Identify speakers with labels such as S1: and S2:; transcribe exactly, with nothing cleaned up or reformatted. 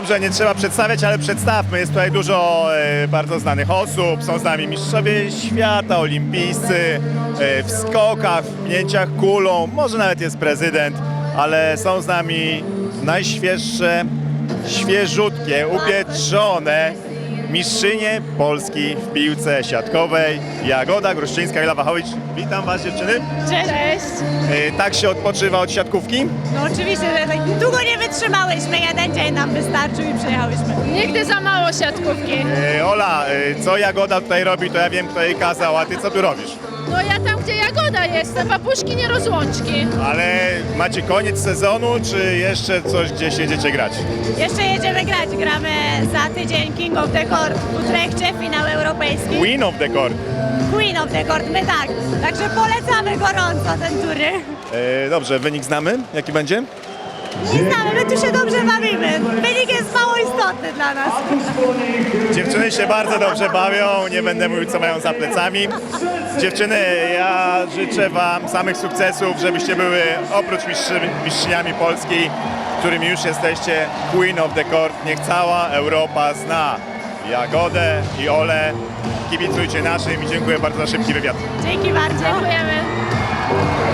S1: Dobrze, nie trzeba przedstawiać, ale przedstawmy. Jest tutaj dużo e, bardzo znanych osób. Są z nami mistrzowie świata, olimpijscy, e, w skokach, w pnięciach kulą. Może nawet jest prezydent, ale są z nami najświeższe, świeżutkie, upieczone mistrzynie Polski w piłce siatkowej. Jagoda Gruszczyńska-Ilawachowicz. Witam Was, dziewczyny.
S2: Cześć.
S1: E, tak się odpoczywa od siatkówki?
S2: No oczywiście, że tak długo nie wytrzymałyśmy. Jeden dzień nam wystarczył i przyjechałyśmy.
S3: Nigdy za mało siatkówki.
S1: E, Ola, e, co Jagoda tutaj robi, to ja wiem, kto jej kazał, a Ty co tu robisz?
S3: No ja tam, gdzie Jagoda jestem, papuszki nie rozłączki.
S1: Ale macie koniec sezonu, czy jeszcze coś gdzieś jedziecie grać?
S2: Jeszcze jedziemy grać. Gramy za tydzień King of the Court w Utrechcie, finał europejski.
S1: Queen of the Court.
S2: Queen of the Court, my tak. Także polecamy gorąco ten turniej.
S1: E, dobrze, wynik znamy? Jaki będzie?
S2: Nie znamy, my tu się dobrze bawimy. Wynik jest mało istotny dla nas.
S1: Dziewczyny się bardzo dobrze bawią, nie będę mówił, co mają za plecami. Dziewczyny, ja życzę Wam samych sukcesów, żebyście były oprócz mistrzy, mistrzyniami Polski, którymi już jesteście, Queen of the Court. Niech cała Europa zna Jagodę i Olę. Kibicujcie naszym i dziękuję bardzo za szybki wywiad.
S2: Dzięki bardzo.
S3: Dziękujemy.